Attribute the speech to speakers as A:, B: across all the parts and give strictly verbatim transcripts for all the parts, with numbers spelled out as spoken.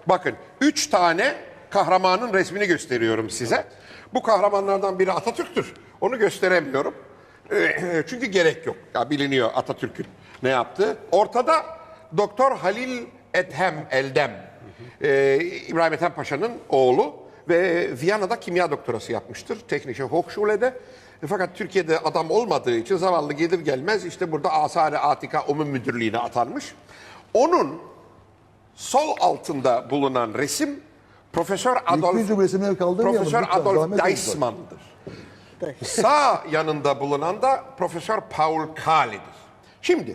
A: Bakın üç tane kahramanın resmini gösteriyorum size. Bu kahramanlardan biri Atatürk'tür. Onu gösteremiyorum. Çünkü gerek yok. Ya biliniyor Atatürk'ün ne yaptığı. Ortada Doktor Halil Ethem Eldem. Ee, İbrahim Ethem Paşa'nın oğlu ve Viyana'da kimya doktorası yapmıştır. Technische Hochschule'de. Fakat Türkiye'de adam olmadığı için zavallı gelir gelmez işte burada Asar-ı Atika Umum Müdürlüğü'ne atanmış. Onun sol altında bulunan resim Profesör Adolf Profesör Adolf Deismann'dır. Sağ yanında bulunan da Profesör Paul Kahle'dir. Şimdi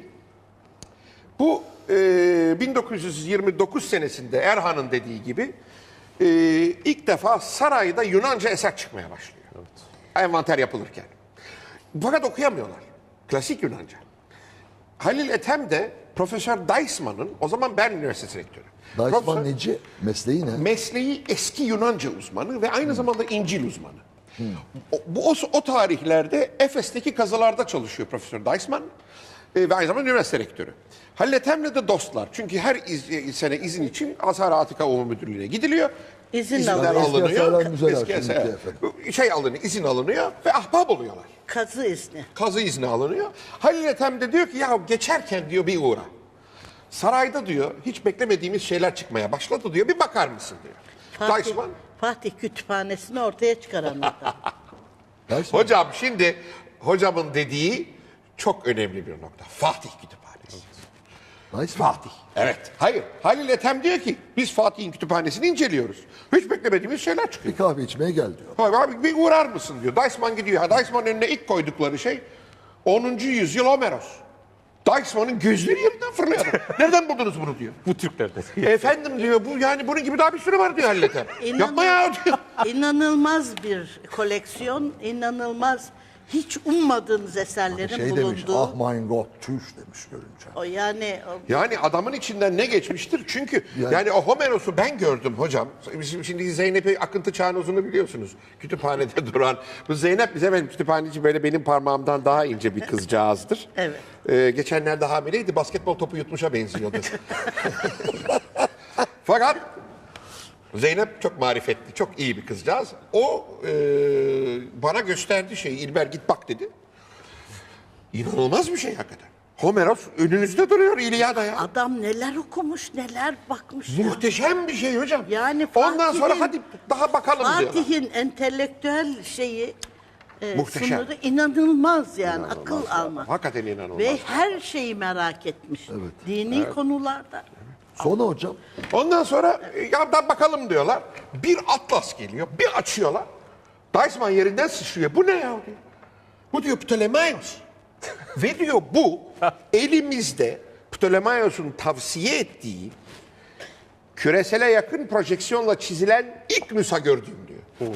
A: bu e, bin dokuz yüz yirmi dokuz senesinde Erhan'ın dediği gibi e, ilk defa sarayda Yunanca eser çıkmaya başlıyor. Evet. Envanter yapılırken. Fakat okuyamıyorlar. Klasik Yunanca. Halil Ethem de Profesör Deismann'ın, o zaman Bern Üniversitesi rektörü.
B: Deismann neci? Mesleği ne?
A: Mesleği eski Yunanca uzmanı ve aynı hmm. zamanda İncil uzmanı. Hmm. O, bu o, o tarihlerde Efes'teki kazılarda çalışıyor Profesör Deismann e, ve aynı zamanda üniversite rektörü. Halil Ethem'le de dostlar. Çünkü her iz, sene izin için Asar-ı Atika Umum Müdürlüğü'ne gidiliyor.
C: İzin
A: İzinler
C: alınıyor.
A: alınıyor. Eski eser, şey alınıyor, izin alınıyor ve ahbap oluyorlar.
C: Kazı izni.
A: Kazı izni alınıyor. Halil Ethem de diyor ki ya geçerken diyor bir uğra. Sarayda diyor hiç beklemediğimiz şeyler çıkmaya başladı diyor. Bir bakar mısın diyor.
C: Fatih,
A: Deismann,
C: Fatih Kütüphanesi'ni ortaya çıkaranlardan.
A: hocam şimdi hocamın dediği çok önemli bir nokta. Fatih Kütüphanesi.
B: Deismann.
A: Fatih. Evet. Hayır. Halil Ethem diyor ki biz Fatih'in kütüphanesini inceliyoruz. Hiç beklemediğimiz şeyler çıkıyor.
B: Bir kahve içmeye gel diyor.
A: Hayır abi bir uğrar mısın diyor. Deismann gidiyor. Ha, Deismann'ın önüne ilk koydukları şey onuncu yüzyıl Homeros. Deismann'ın gözleri yerinden fırlıyor. Nereden buldunuz bunu diyor.
D: Bu Türklerde.
A: Efendim diyor bu yani bunun gibi daha bir sürü var diyor Halil Ethem.
C: İnanın-
A: Yapma ya diyor.
C: İnanılmaz bir koleksiyon, inanılmaz hiç ummadığınız eserlerin
B: Şey demiş,
C: bulunduğu.
B: ah mein Gott, tüş demiş görünce.
C: O yani o,
A: Yani adamın içinden ne geçmiştir? Çünkü yani,
B: Yani-
A: o Homeros'u ben gördüm hocam. Bizim şimdi Zeynep'i Akıntı Çağnoz'unu biliyorsunuz. Kütüphanede duran. Bu Zeynep bize benim kütüphaneci böyle benim parmağımdan daha ince bir kızcağızdır.
C: Evet.
A: Ee, geçenlerde hamileydi. Basketbol topu yutmuşa benziyordu. Fakat Zeynep çok marifetli, çok iyi bir kızcağız. O e, bana gösterdi şeyi. İlber git bak dedi. İnanılmaz bir şey hakikaten. Homeros önünüzde duruyor İlyada ya.
C: adam neler okumuş, neler bakmış. ya.
A: Muhteşem bir şey hocam.
C: Yani
A: ondan sonra
C: Fatih'in-
A: hadi daha bakalım diyorlar.
C: Fatih'in entelektüel şeyi e,
A: Muhteşem.
C: sınırı inanılmaz yani akıl almak.
A: Hakikaten inanılmaz.
C: Ve her şeyi merak etmiş. Dini konularda.
B: Sonra hocam,
A: Ondan sonra e, ya da bakalım diyorlar. Bir atlas geliyor, bir açıyorlar. Deismann yerinden sıçrıyor. Bu ne ya diyor. Bu diyor Ptolemaios. Ve diyor bu elimizde Ptolemaios'un tavsiye ettiği küresele yakın projeksiyonla çizilen ilk nüsha gördüğüm diyor.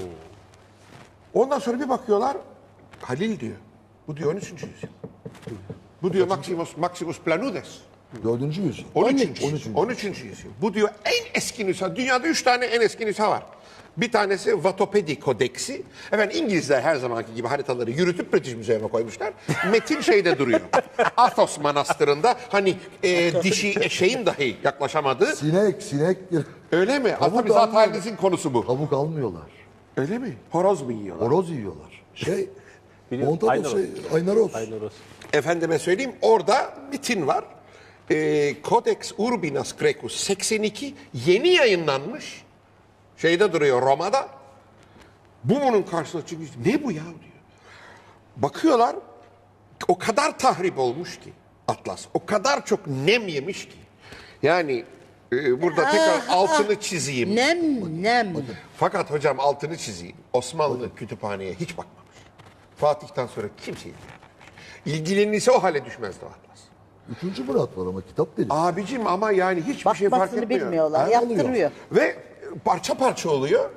A: Ondan sonra bir bakıyorlar Halil diyor. Bu diyor on üçüncü yüzyıl. Bu diyor Maximus, Maximus Planudes.
B: dördüncü yüzyıl.
A: on üçüncü. on üçüncü yüzyıl. Bu diyor en eski nüsha. Dünyada üç tane en eski nüsha var. Bir tanesi Vatopedi Kodeksi. Efendim İngilizler her zamanki gibi haritaları yürütüp British Müzesi'ne koymuşlar. Metin şeyde duruyor. Athos Manastırı'nda hani e, dişi eşeğin dahi yaklaşamadığı.
B: Sinek, sinek.
A: Öyle mi?
B: Tavuk
A: Tabii zaten
B: almıyor.
A: halinizin konusu bu.
B: Tavuk almıyorlar.
A: Öyle mi? Horoz mu yiyorlar?
B: Horoz yiyorlar. Şey,
D: Biliyorum,
B: Montanos,
D: Aynaros.
B: şey, Aynaros.
D: Aynaros.
A: Efendime söyleyeyim orada metin var. E, Codex Urbinas Grecus seksen iki yeni yayınlanmış. Şeyde duruyor Roma'da. Bu bunun karşısına çıkmış. Ne bu ya diyor. Bakıyorlar o kadar tahrip olmuş ki Atlas. O kadar çok nem yemiş ki. Yani e, burada tekrar
C: Ah,
A: altını çizeyim.
C: Nem nem.
A: Fakat hocam altını çizeyim. Osmanlı kütüphaneye hiç bakmamış. Fatih'ten sonra kimse ilgilenmemiş. İlgilenirse o hale düşmezdi o Atlas.
B: Üçüncü Murat var ama kitap deli.
A: Abicim ama yani hiçbir şey fark
C: Bakmasını
A: etmiyor.
C: bilmiyorlar.
B: Ha, oluyor.
C: Yaptırıyor.
A: Ve parça parça oluyor.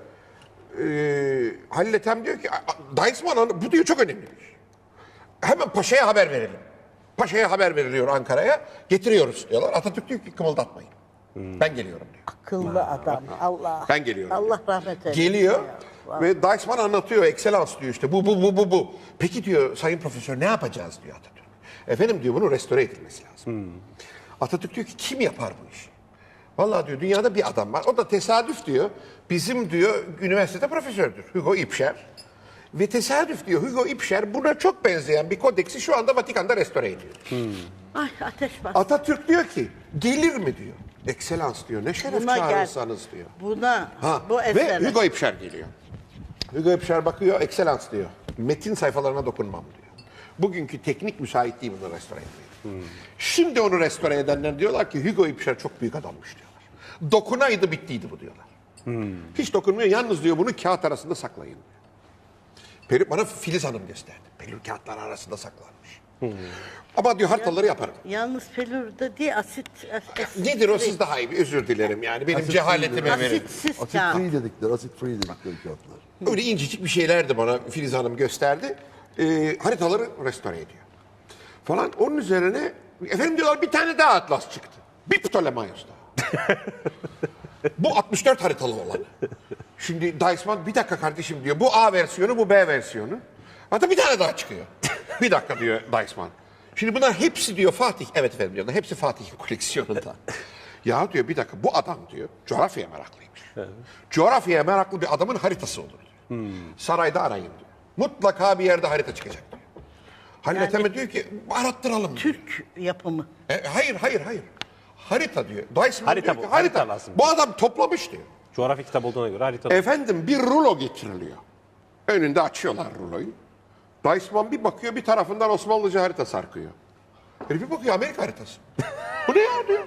A: Ee, Halil Ethem diyor ki Deismann bu diyor çok önemliymiş. Hemen Paşa'ya haber verelim. Paşa'ya haber veriliyor Ankara'ya. Getiriyoruz diyorlar. Atatürk diyor ki kımıldatmayın. Ben geliyorum diyor.
C: Akıllı adam. Allah.
A: Ben geliyorum
C: Allah
A: diyor.
C: rahmet eylesin.
A: Geliyor
C: Ya.
A: ve Deismann anlatıyor. Excellence diyor işte bu bu bu bu bu. Peki diyor sayın profesör ne yapacağız diyor Atatürk. Efendim diyor bunu restore edilmesi lazım. Atatürk diyor ki kim yapar bu işi? Vallahi diyor dünyada bir adam var. O da tesadüf diyor. Bizim diyor üniversitede profesördür. Hugo İpşer. Ve tesadüf diyor Hugo İpşer buna çok benzeyen bir kodeksi şu anda Vatikan'da restore ediyor.
C: Ay ateş bas.
A: Atatürk diyor ki gelir mi diyor. Ekselans diyor. Ne şeref
C: Buna gel.
A: çağırırsanız diyor.
C: Buna
A: Ha.
C: bu
A: Ve
C: esere.
A: Hugo İpşer geliyor. Hugo İpşer bakıyor ekselans diyor. Metin sayfalarına dokunmam diyor. Bugünkü teknik müsait değil bunu restore etmeye. Şimdi onu restore edenler diyorlar ki Hugo İpşer çok büyük adammış diyorlar. Dokunaydı bittiydi bu diyorlar. Hiç dokunmuyor. Yalnız diyor bunu kağıt arasında saklayın diyor. Peri, bana Filiz Hanım gösterdi. Pelür kağıtlar arasında saklanmış. Ama diyor haritaları yaparım.
C: Yalnız pelürde değil asit. asit
A: Nedir o siz daha iyi bir özür dilerim yani. Benim cehaletime verin.
C: Asitsiz
B: Asit
C: kağıt.
B: free dedikleri, asit free dedikleri kağıtlar.
A: Öyle incecik bir şeylerdi bana Filiz Hanım gösterdi. Ee, haritaları restore ediyor. Falan onun üzerine efendim diyorlar bir tane daha atlas çıktı. Bir Ptolemaios daha. Bu altmış dört haritalı olanı. Şimdi Deisman bir dakika kardeşim diyor. Bu A versiyonu bu B versiyonu. Hatta bir tane daha çıkıyor. Bir dakika diyor Deisman. Şimdi bunlar hepsi diyor Fatih. Evet efendim diyorlar. Hepsi Fatih'in koleksiyonunda. Ya diyor bir dakika bu adam diyor coğrafyaya meraklıymış. Coğrafyaya meraklı bir adamın haritası olur diyor. Sarayda arayın diyor. Mutlaka bir yerde harita çıkacak diyor. Halil
C: Yani-
A: Ethem diyor ki arattıralım diyor.
C: Türk yapımı.
A: E, hayır hayır hayır. Harita diyor. Deisman
D: Harita
A: diyor ki,
D: bu, harita lazım.
A: Bu adam toplamış diyor.
D: Coğrafya kitabı olduğuna göre harita.
A: Efendim bir rulo getiriliyor. Önünde açıyorlar ruloyu. Deisman bir bakıyor bir tarafından Osmanlıca harita sarkıyor. Herif bir bakıyor Amerika haritası. Bu ne ya diyor.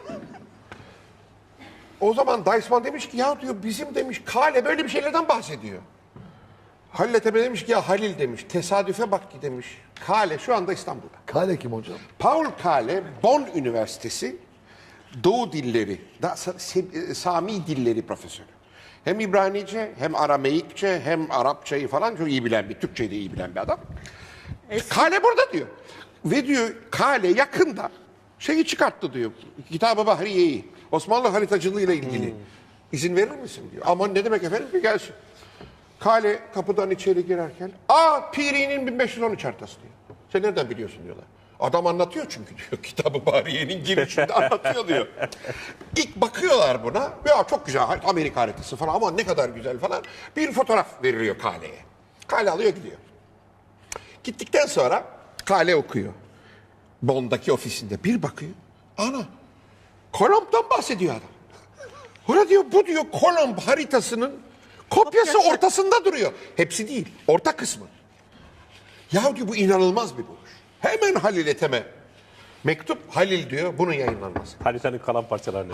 A: O zaman Deisman demiş ki ya diyor bizim demiş Kale böyle bir şeylerden bahsediyor. Halil Ethem demiş ki ya Halil demiş tesadüfe bak ki demiş. Kale şu anda İstanbul'da.
B: Kale kim hocam?
A: Paul Kale, Bonn Üniversitesi Doğu Dilleri, da, Sa- Sami Dilleri profesörü. Hem İbranice, hem Arameikçe, hem Arapçayı falan çok iyi bilen bir, Türkçeyi de iyi bilen bir adam. Kale burada diyor. Ve diyor Kale yakında şeyi çıkarttı diyor. Kitab-ı Bahriye'yi, Osmanlı haritacılığıyla ilgili. İzin verir misin diyor. Aman ne demek efendim bir gelsin. Kale kapıdan içeri girerken, aa Piri'nin bin beş yüz on üç haritası diyor. Sen nereden biliyorsun diyorlar. Adam anlatıyor çünkü diyor. Kitab-ı Bahriye'nin girişinde anlatıyor diyor. İlk bakıyorlar buna. Ya çok güzel Amerika haritası falan ama ne kadar güzel falan. Bir fotoğraf veriliyor Kale'ye. Kale alıyor gidiyor. Gittikten sonra Kale okuyor. Bonn'daki ofisinde bir bakıyor. Ana Kolomb'dan bahsediyor adam. Ora diyor bu diyor Kolomb haritasının kopyası
C: Kopyası.
A: ortasında duruyor. Hepsi değil. Orta kısmı. Ya diyor bu inanılmaz bir buluş. Hemen Halil Ethem'e mektup Halil diyor bunun yayınlanması.
D: Haritanın kalan parçalarını.